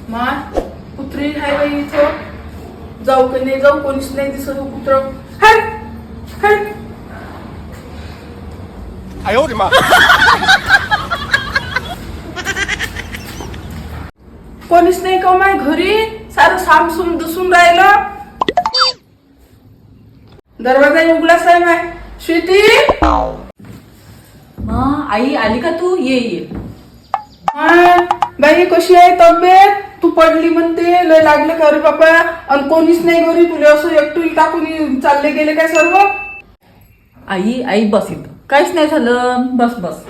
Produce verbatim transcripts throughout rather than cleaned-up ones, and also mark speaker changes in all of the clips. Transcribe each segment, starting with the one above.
Speaker 1: मा कुत्री आहे बाई इथं. जाऊ की नाही जाऊ, कोणीच नाही दिसत कुत्र. हट हट. कोणीच नाही का माय घरी. सारं सामसूम दिसून राहिलं. दरवाजा उघडाच आहे माय. स्वीटी
Speaker 2: हा आई आली का तू? ये ये.
Speaker 1: हा बाई कशी आहे तब्येत? तू पडली म्हणते, लय लागले का रे बाबा? आणि कोणीच नाही घरी. तुला असं एकटून टाकून चालले गेले काय सर्व?
Speaker 2: आई आई बस इथं. काहीच नाही झालं, बस बस.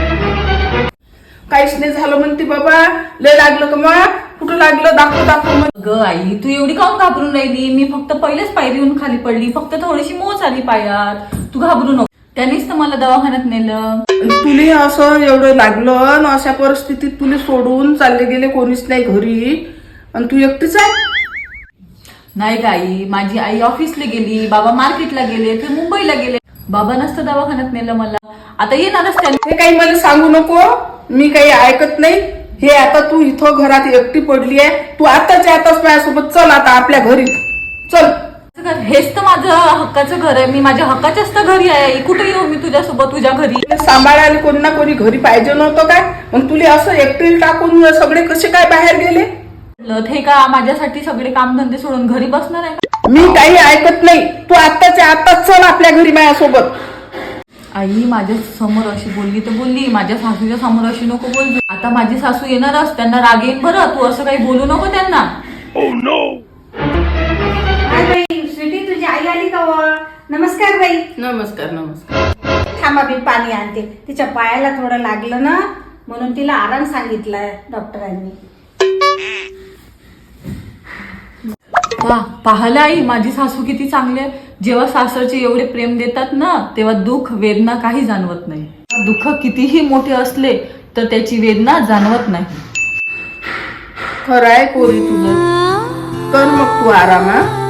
Speaker 1: काहीच नाही झालं म्हणते बाबा. लय लागलं का मग? कुठं लागलं? दाखव दाखव मग.
Speaker 2: ग आई तू एवढी काऊन घाबरून राहिली? मी फक्त पहिलेच पायरीहून खाली पडली, फक्त थोडीशी मोच आली पायात. तू घाबरू नको. त्यानेच तर मला दवाखान्यात नेलं.
Speaker 1: तुले असं एवढं लागलं आणि अशा परिस्थितीत तुले सोडून चालले गेले, कोणीच नाही घरी, आणि तू एकटीच आहे?
Speaker 2: नाही का आई, माझी आई ऑफिसला गेली, बाबा मार्केटला गेले, ते मुंबईला गेले. बाबा नसतं दवाखान्यात नेलं मला. आता येणारच त्याने.
Speaker 1: हे काही मला सांगू नको, मी काही ऐकत नाही. हे आता तू इथं घरात एकटी पडली आहे. तू आताच्या आताच माझ्यासोबत चल आता आपल्या घरी चल.
Speaker 2: हेच तर माझं हक्काचं घर आहे. मी माझ्या हक्काच्याच तर घरी आहे. कुठे येऊ मी तुझ्यासोबत तुझ्या घरी?
Speaker 1: सांभाळायला कोणी ना कोणी घरी पाहिजे नव्हतं काय? मग तुला असं एकटीला टाकून सगळे कसे काय बाहेर गेले?
Speaker 2: हे का माझ्यासाठी सगळे कामधंदे सोडून घरी बसणार आहे?
Speaker 1: मी काही ऐकत नाही. तू आताच्या आताच चल आपल्या घरी माझ्यासोबत.
Speaker 2: आई माझ्या समोर अशी बोलली तर बोलली, माझ्या सासूच्या समोर अशी नको बोलली. आता माझी सासू येणारच, त्यांना राग येईल बरं. तू असं काही बोलू नको त्यांना.
Speaker 3: बाई स्वीटी, तुझी आई आली का? नमस्कार बाई.
Speaker 1: नमस्कार नमस्कार.
Speaker 3: थांबा मी पाणी आणते. तिच्या पायाला थोडं लागलं ना, म्हणून तिला आराम सांगितलाय डॉक्टरांनी.
Speaker 2: वा पाहला आई, माझी सासू किती चांगली आहे. जेव्हा सासरचे एवढे प्रेम देतात ना, तेव्हा दुःख वेदना काही जाणवत नाही. दुःख कितीही मोठे असले तर त्याची वेदना जाणवत नाही.
Speaker 1: खरं आहे पोरी तुझं. कर मग तू आराम.